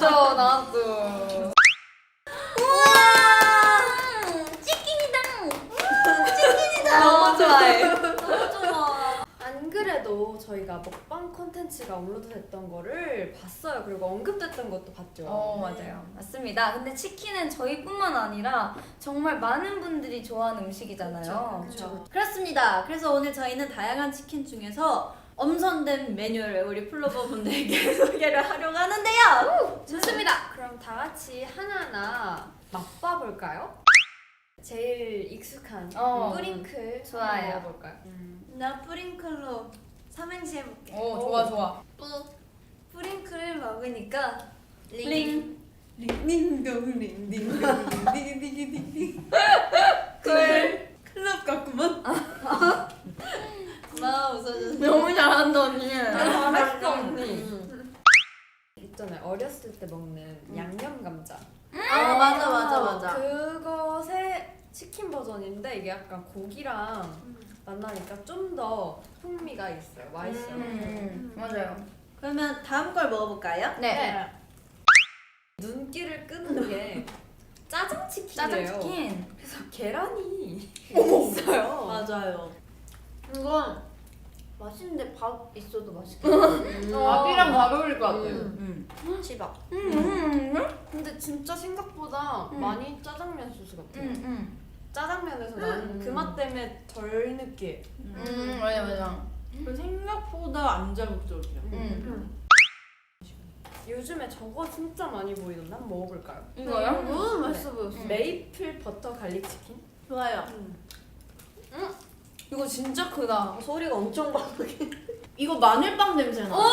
나왔죠, 나왔죠. 너무 좋아해. 너무 좋아. 안 그래도 저희가 먹방 콘텐츠가 업로드됐던 거를 봤어요. 그리고 언급됐던 것도 봤죠. 맞아요. 맞습니다. 근데 치킨은 저희뿐만 아니라 정말 많은 분들이 좋아하는 음식이잖아요. 그쵸. 그렇습니다. 그래서 오늘 저희는 다양한 치킨 중에서 엄선된 메뉴를 우리 플로버분들께 소개를 하려고 하는데요. 좋습니다. 그럼 다 같이 하나하나 맛봐볼까요? 제일 익숙한 뿌링클 좋아요. 먹어볼까요? 나 뿌링클로 삼행시 해볼게. 좋아, 좋아. 뿌링클 먹으니까 링. 링딩동 링딩동 링딩딩딩딩 클럽 같구만. 나 웃어주세요. 너무 잘한다, 언니. 잘했어 언니. 있잖아요. 어렸을 때 먹는 양념 감자. 아 맞아. 그것의 치킨 버전인데 이게 약간 고기랑 만나니까 좀 더 풍미가 있어요. 맛있어요. 맞아요. 그러면 다음 걸 먹어볼까요? 네. 눈길을 끄는 게 짜장 치킨이에요. 짜장치킨. 그래서 계란이 있어요. 맞아요. 이건 맛있는데 밥 있어도 맛있겠다. 밥이랑 잘 어울릴 것 같아요. 치밥. 근데 진짜 생각보다 많이 짜장면 소스 같아요. 짜장면에서 음. 나는 그 맛 때문에 덜 느끼해. 맞아. 생각보다 안 자극적이야. 요즘에 저거 진짜 많이 보이던데 한번 먹어볼까요? 이거요? 너무 맛있어 보였어. 메이플 버터 갈릭 치킨? 좋아요. 이거 진짜 크다. 소리가 엄청 바쁘게. 이거 마늘빵 냄새 나.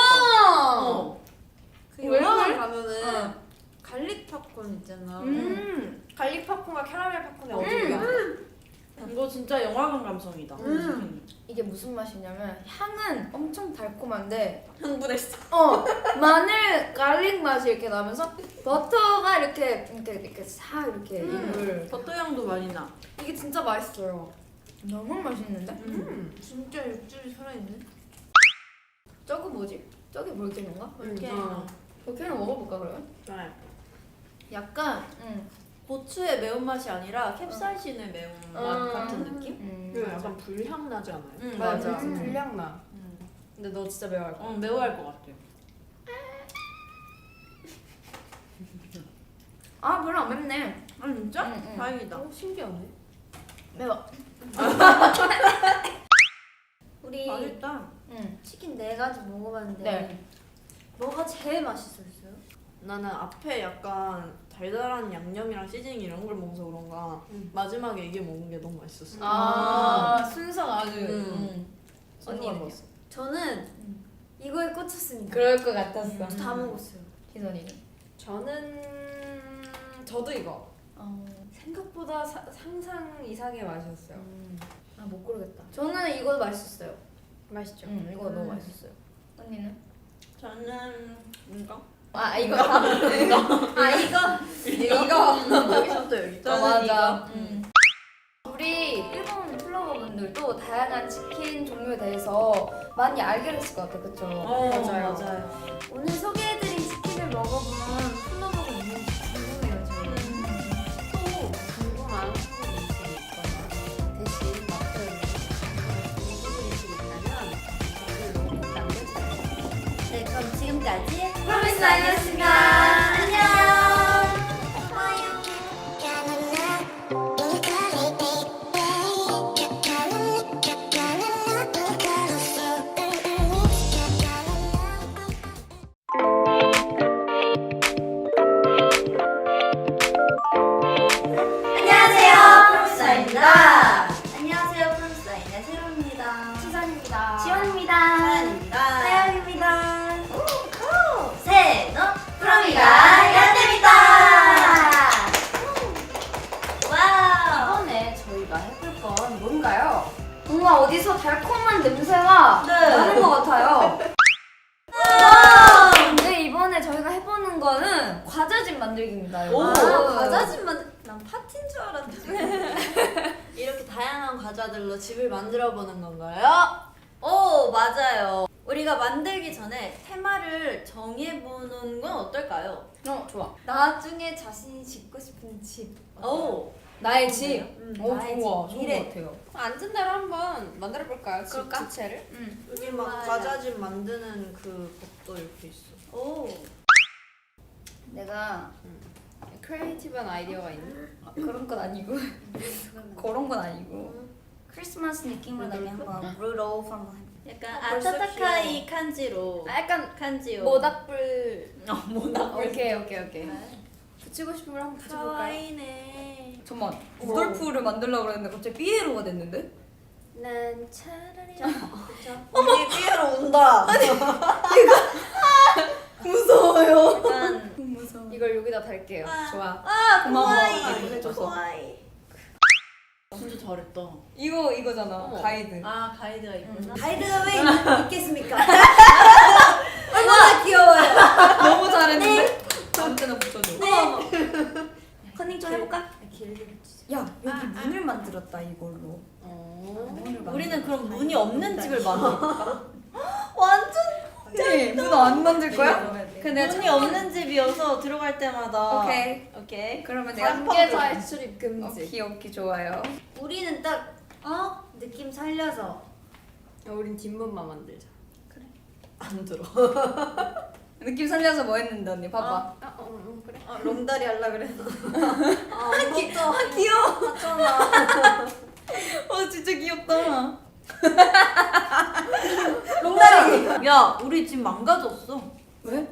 그 왜? 영화관 가면은 갈릭 팝콘 있잖아. 갈릭 팝콘과 캐러멜 팝콘의 어디야? 이거 진짜 영화관 감성이다. 이게 무슨 맛이냐면 향은 엄청 달콤한데 흥분했어. 마늘 갈릭 맛이 이렇게 나면서 버터가 이렇게 싹 이렇게 입을 버터 향도 많이 나. 이게 진짜 맛있어요. 너무 맛있는데? 진짜 육즙이 살아있네. 저거 뭐지? 저게 볼케노인가? 볼케노. 볼케노 먹어볼까 그러면? 네. 약간 고추의 매운맛이 아니라 캡사이신의 매운맛 같은 느낌? 그 약간 불향 나지 않아요? 맞아. 불향 나. 근데 너 진짜 매워할 거야. 매워할 것 같아. 아 별로 안 맵네. 아 진짜? 응. 다행이다. 신기하네. 매워. 우리 맛있다. 치킨 4가지 먹어봤는데 네. 뭐가 제일 맛있었어요? 나는 앞에 약간 달달한 양념이랑 시즈닝 이런 걸 먹어서 그런가 마지막에 이게 먹은 게 너무 맛있었어. 순서가 아주. 언니는 먹었어. 저는 이거에 꽂혔으니까 그럴 것 같았어. 다 먹었어요. 희선이는. 저도 이거. 생각보다 상상 이상의 맛이었어요. 못 고르겠다. 저는 이거 맛있었어요. 맛있죠? 이거 너무 맛있었어요. 언니는? 저는 이거. 이거. 이거. 여기서부터 여기까지. 저는 맞아. 우리 일본 플로버분들도 다양한 치킨 종류에 대해서 많이 알게 됐을 것 같아, 그쵸? 맞아요. 오늘 소개해드린 치킨을 먹어본 플로버가 있는지 궁금해요. 저는. 또 궁금한 한국 음식이 있거나 대신 맡은 중국 음식이 있다면 댓글로 꼭 남겨주세요. 네, 그럼 지금까지 프로미스 아이였습니다. 안녕. 안녕하세요, 프로미스아이의 세롬입니다. 수산입니다. 지원입니다. 사연입니다. 하영입니다. 세노 프로미가 연대입니다. 와우. 이번에 저희가 해볼 건 뭔가요? 뭔가 어디서 달콤한 냄새가 나는 것 같아요. 근데 이번에 저희가 해보는 거는 과자집 만들기입니다. 여러분. 과자집만 난 파티인 줄 알았지. 이렇게 다양한 과자들로 집을 만들어 보는 건가요? 오, 맞아요. 우리가 만들기 전에 테마를 정해보는 건 어떨까요? 좋아. 나중에 자신이 짓고 싶은 집. 오. 나의 집. 오 나의 좋아. 집. 좋은 미래. 것 같아요. 앉은 대로 한번 만들어 볼까요? 그럴까? 주체를? 여기 막 과자집 만드는 그 것도 이렇게 있어. 오. 내가 크리에이티브한 아이디어가 있네. 그런 건 아니고 그런 건 아니고 크리스마스 느낌으로 나게 한번 루돌프 한번 해볼게. 약간 벌써 아타타카이 칸지로. 약간 칸지요. 모닥불 모닥불. 오케이. 붙이고 싶은 걸 한번 붙여볼까요? 카와이네. 잠깐만 루돌프를 만들려고 그랬는데 갑자기 삐에로가 됐는데? 난 차라리 언니 삐에로 온다. 무서워요. 약간 무서워. 이걸 여기다 달게요. 좋아. 고마워. 카와이. 이거 해줘서. 카와이. 진짜 잘했다. 이거잖아. 어머. 가이드. 아 가이드가 있구나. 가이드가 왜 있겠습니까? 얼마나 귀여워요. 너무 잘했는데? 아무데나 붙여줘. 컨닝 좀 해볼까? 길게 붙이자. 야 여기 문을 만들었다 이걸로. 우리는 그럼 문이 없는 집을 만들까? 네, 문 안 만들 거야? 근데 문이 없는 집이어서 들어갈 때마다. 오케이. 오케이. 그러면 내가 관계자의 출입 금지. 오케이 좋아요. 우리는 딱 느낌 살려서 우린 뒷문만 만들자. 안 들어. 느낌 살려서 뭐 했는데 언니 봐봐. 그래. 롱다리 할라 그랬어. 귀여워. 하잖아. 진짜 귀엽다. 롱다리. 야, 우리 집 망가졌어. 왜?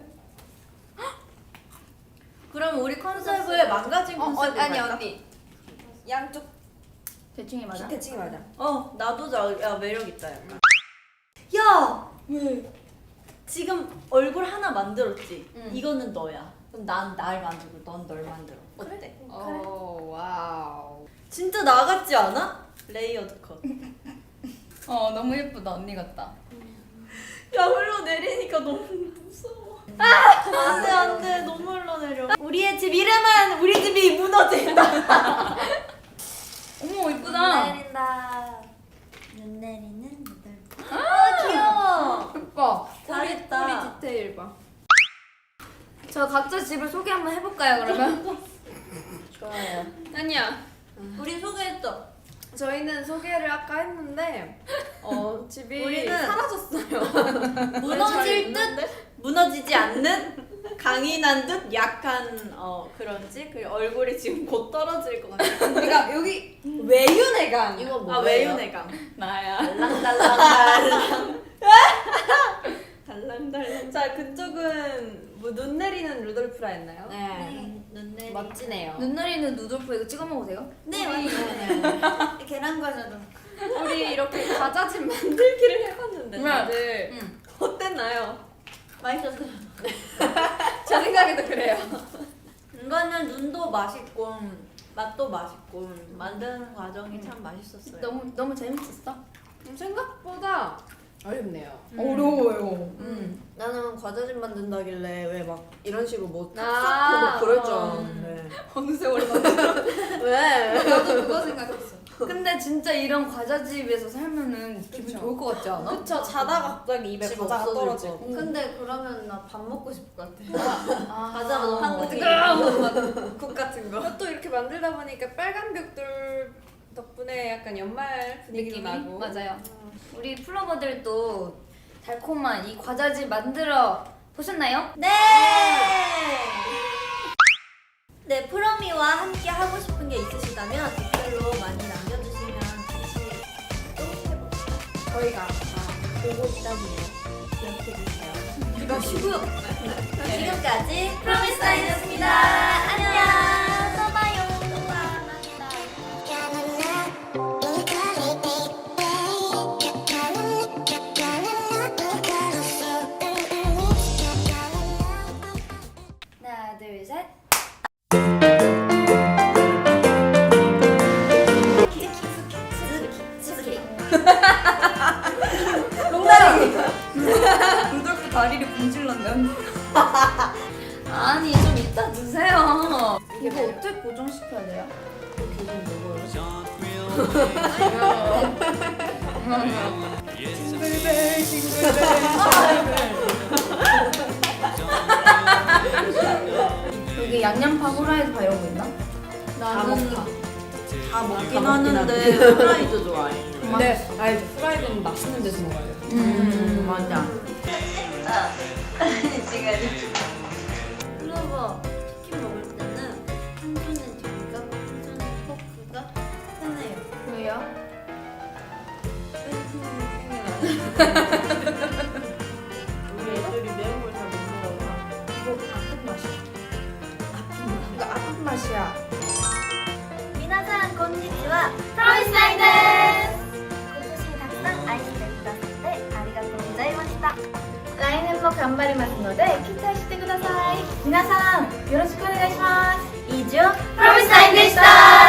그럼 우리 컨셉을 망가진 컨셉으로 아니 갈까? 언니. 양쪽 대충이 맞아? 대칭이 맞아. 나도 야 매력 있다 약간. 야! 지금 얼굴 하나 만들었지. 응. 이거는 너야. 그럼 난 날 만들고 넌 널 만들어. 어때? 와우. 진짜 나 같지 않아? 레이어드 컷. 너무 예쁘다 언니 같다. 야 흘러내리니까 너무 무서워. 안돼 안돼 너무 흘러내려. 우리의 집 이름은 우리 집이 무너진다. 어머 예쁘다. 내린다. 눈 내리는 눈들. 귀여워. 예뻐. 잘했다. 우리 디테일 봐. 저 각자 집을 소개 한번 해볼까요 그러면? 좋아요. 아니야. 우리 소개했죠. 저희는 소개를 아까 했는데 집이 우리는 사라졌어요. 무너질 듯 무너지지 않는 강인한 듯 약한 그런 집. 그리고 얼굴이 지금 곧 떨어질 것 같아. 그러니까 여기 외윤회관. 이거 뭐예요? 아 외유내강. 나야. 달랑달랑. 달랑달랑. 자 그쪽은 뭐 눈 내리는 루돌프라 했나요? 네. 눈 내리. 멋지네요. 눈 내리는 누돌프 이거 찍어 먹어도 돼요? 네 맞아요. 계란 과자도. 우리 이렇게 과자집 만들기를 해봤는데 네. 다들 응. 어땠나요? 맛있었어요. 제 생각에도 그래요. 이거는 눈도 맛있고 맛도 맛있고 만드는 과정이 참 맛있었어요. 너무 재밌었어. 생각보다 어렵네요. 어려워요. 나는 과자집 만든다길래 왜 막 이런 식으로 뭐 아, 탁 뭐 그럴 줄 알았는데. 어느 세월에 만들어. 왜? 나도 그거 생각했어. 근데 진짜 이런 과자집에서 살면은 기분 그쵸. 좋을 것 같지 않아? 그쵸. 자다가 갑자기 입에 집 과자가 없어질 떨어지고. 거. 근데 그러면 나 밥 먹고 싶을 것 같아. 과자가 너무 한국이 국 같은 거. 또 이렇게 만들다 보니까 빨간 벽돌 덕분에 약간 연말 분위기도 나고. 맞아요. 우리 플로버들도 달콤한 이 과자집 만들어 보셨나요? 네. 네 프로미와 함께 하고 싶은 게 있으시다면 댓글로 많이 남겨주시면 같이 또 해봅시다. 저희가 보고 있다고요. 기억해주세요. 이거 쉬고요. 지금까지 프로미스타이였습니다. 안녕. 또 봐요. 또 봐. 하나, 둘, 셋. 루돌프 다리를 분질렀네. 아니 좀 이따 드세요. 이거 어떻게 고정시켜야 돼요? 징글벨 징글벨 징글벨 집에 양념파, 후라이드파 이런 거 있나? 다 먹다. 다 먹긴 먹긴 하는데 하는데. 후라이드 좋아해. 네, 알죠. 후라이드는 맛있는 데서 먹어야 돼요. 맞아. 클로버 치킨 먹을 때는 한손은 저기가 한손은 포크가 편해요. 왜요? 우리 애들이 매운 걸 잘 못 먹어서. 이거 아픈 맛이야. 이거 아픈 맛이야. 皆さんこんにちは。プロミスナインです。今年たくさん愛してくださってありがとうございました。来年も頑張りますので期待してください。皆さんよろしくお願いします。以上プロミスナインでした。